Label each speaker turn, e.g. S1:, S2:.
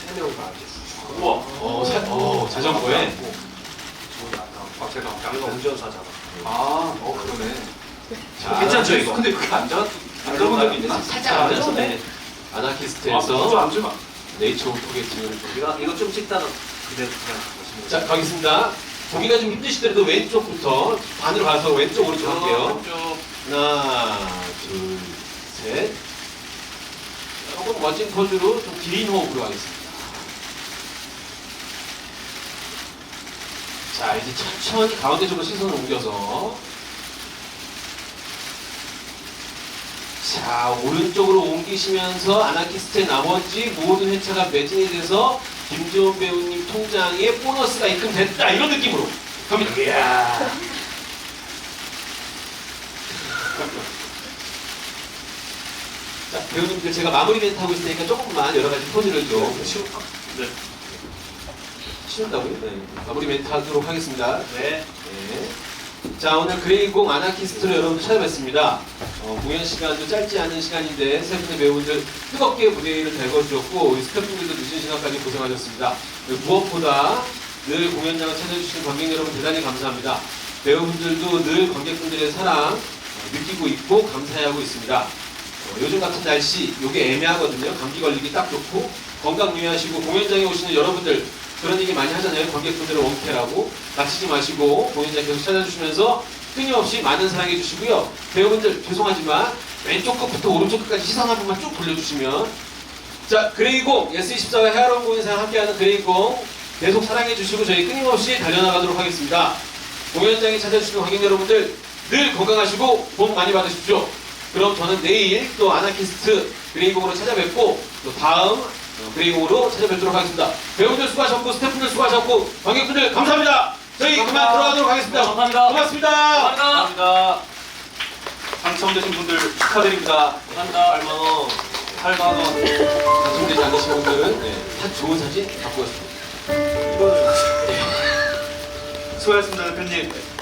S1: 3명 다 앉았어요.
S2: 우와. 자전거에.
S1: 제가 운전사잖아.
S3: 그러네.
S2: 자,
S3: 괜찮죠 이거? 근데 그게 안 잡은 적이 있나?
S2: 살짝 앉아서 네. 아나키스트에서
S3: 앉으면.
S2: 네이처 포게팅을
S1: 이거 좀 찍다가 그대로 그냥 보시면.
S2: 자, 가겠습니다. 보기가 좀 힘드시더라도 왼쪽부터 반으로 가서 왼쪽 오른쪽 할게요. 하나, 둘, 셋. 조금 멋진 포즈로 좀 긴 호흡으로 하겠습니다. 자, 이제 천천히 가운데 쪽으로 시선을 옮겨서 자, 오른쪽으로 옮기시면서 아나키스트의 나머지 모든 회차가 매진이 돼서 김지원 배우님 통장에 보너스가 입금됐다 이런 느낌으로 갑니다. 이야. 자, 배우님들 제가 마무리 멘트 하고 있으니까 조금만 여러 가지 포즈를 좀 치운다고요? 네. 마무리 멘트 하도록 하겠습니다.
S1: 네.
S2: 네. 자, 오늘 그레이공 아나키스트로 여러분들 찾아뵙습니다. 공연 시간도 짧지 않은 시간인데 세 분의 배우분들 뜨겁게 무대를 달궈주셨고 우리 스태프분들도 늦은 시간까지 고생하셨습니다. 무엇보다 늘 공연장을 찾아주시는 관객 여러분 대단히 감사합니다. 배우분들도 늘 관객분들의 사랑 느끼고 있고 감사해하고 있습니다. 요즘 같은 날씨 요게 애매하거든요. 감기 걸리기 딱 좋고 건강 유의하시고 공연장에 오시는 여러분들 그런 얘기 많이 하잖아요. 관객분들을 원캐라고 다치지 마시고 공연장 계속 찾아주시면서 끊임없이 많은 사랑해 주시고요. 배우분들 죄송하지만 왼쪽 끝부터 오른쪽 끝까지 시선 한 번만 쭉 돌려주시면 자, 그레이공 예스24와 헤아론 공연상 함께하는 그레이공 계속 사랑해 주시고 저희 끊임없이 달려나가도록 하겠습니다. 공연장에 찾아주시는 관객 여러분들 늘 건강하시고 복 많이 받으십시오. 그럼 저는 내일 또 아나키스트 그레이공으로 찾아뵙고 또 다음 그레이공으로 찾아뵙도록 하겠습니다. 배우들 수고하셨고 스태프들 수고하셨고 관객분들 감사합니다. 저희 그만 들어가도록 하겠습니다.
S3: 감사합니다.
S2: 고맙습니다.
S3: 감사합니다. 당첨되신 분들 축하드립니다.
S1: 감사합니다.
S3: 8만 원.
S2: 당첨되지 않으신 분들은 다 좋은 사진 갖고 왔습니다.
S3: 수고하셨습니다, 대표님.